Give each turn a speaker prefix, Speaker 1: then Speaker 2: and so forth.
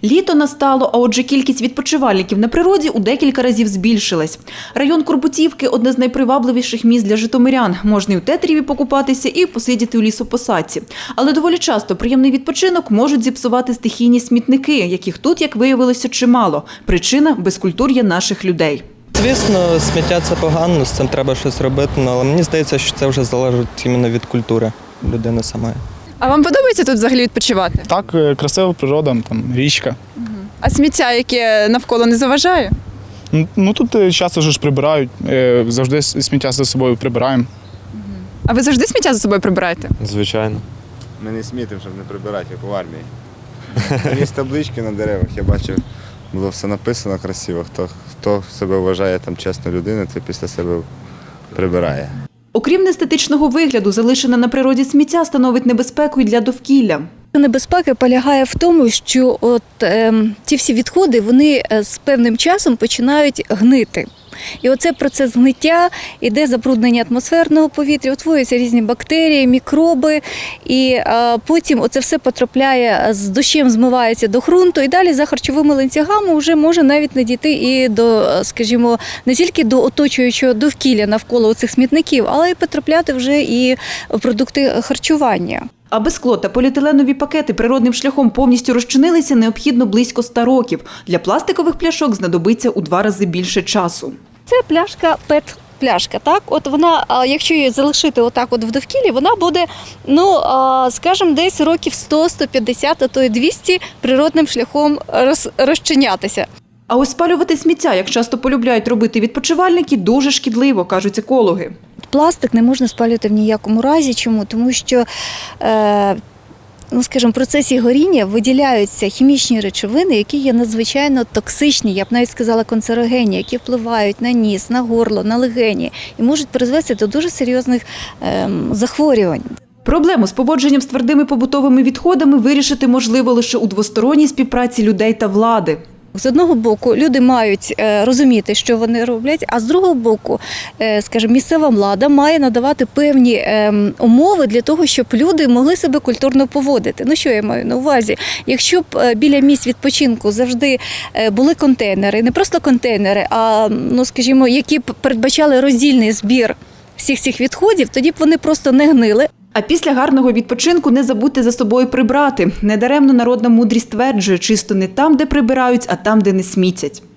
Speaker 1: Літо настало, а отже кількість відпочивальників на природі у декілька разів збільшилась. Район Курбутівки – одне з найпривабливіших місць для житомирян. Можна і в Тетеріві покупатися, і посидіти у лісопосадці. Але доволі часто приємний відпочинок можуть зіпсувати стихійні смітники, яких тут, як виявилося, чимало. Причина – безкультур'я наших людей.
Speaker 2: Звісно, сміття – це погано, з цим треба щось робити, але мені здається, що це вже залежить іменно від культури людини самої.
Speaker 3: А вам подобається тут взагалі відпочивати?
Speaker 4: Так, красива природа, там річка.
Speaker 3: А сміття, яке навколо, не заважає?
Speaker 4: Ну тут часто ж прибирають, завжди сміття за собою прибираємо.
Speaker 3: А ви завжди сміття за собою прибираєте?
Speaker 5: Звичайно.
Speaker 6: Ми не смітимо, щоб не прибирати, як у армії. Є таблички на деревах, я бачив, було все написано красиво. Хто себе вважає там чесною людиною, це після себе прибирає.
Speaker 1: Окрім неестетичного вигляду, залишене на природі сміття становить небезпеку й для довкілля.
Speaker 7: Небезпека полягає в тому, що ті всі відходи, вони з певним часом починають гнити. І оце процес гниття, іде забруднення атмосферного повітря, утворюються різні бактерії, мікроби, і потім оце все потрапляє, з дощем змивається до ґрунту, і далі за харчовими ланцюгами вже може навіть не дійти і до, скажімо, не тільки до оточуючого довкілля навколо цих смітників, але й потрапляти вже і в продукти харчування.
Speaker 1: Аби скло та поліетиленові пакети природним шляхом повністю розчинилися, необхідно близько 100 років. Для пластикових пляшок знадобиться у 2 рази більше часу.
Speaker 7: Це пляшка ПЕТ-пляшка, так? От вона, якщо її залишити отак от в довкіллі, вона буде, скажімо, десь років 100, 150, а то й 200 природним шляхом розчинятися.
Speaker 1: А ось спалювати сміття, як часто полюбляють робити відпочивальники, дуже шкідливо, кажуть екологи.
Speaker 7: Пластик не можна спалювати в ніякому разі. Чому? Тому що, в процесі горіння виділяються хімічні речовини, які є надзвичайно токсичні, я б навіть сказала канцерогенні, які впливають на ніс, на горло, на легені і можуть призвести до дуже серйозних захворювань.
Speaker 1: Проблему з поводженням з твердими побутовими відходами вирішити можливо лише у двосторонній співпраці людей та влади.
Speaker 7: З одного боку, люди мають розуміти, що вони роблять, а з другого боку, місцева влада має надавати певні умови для того, щоб люди могли себе культурно поводити. Ну, що я маю на увазі? Якщо б біля місць відпочинку завжди були контейнери, не просто контейнери, а, які б передбачали роздільний збір всіх цих відходів, тоді б вони просто не гнили.
Speaker 1: А після гарного відпочинку не забудьте за собою прибрати. Недаремно народна мудрість стверджує, чисто не там, де прибирають, а там, де не смітять.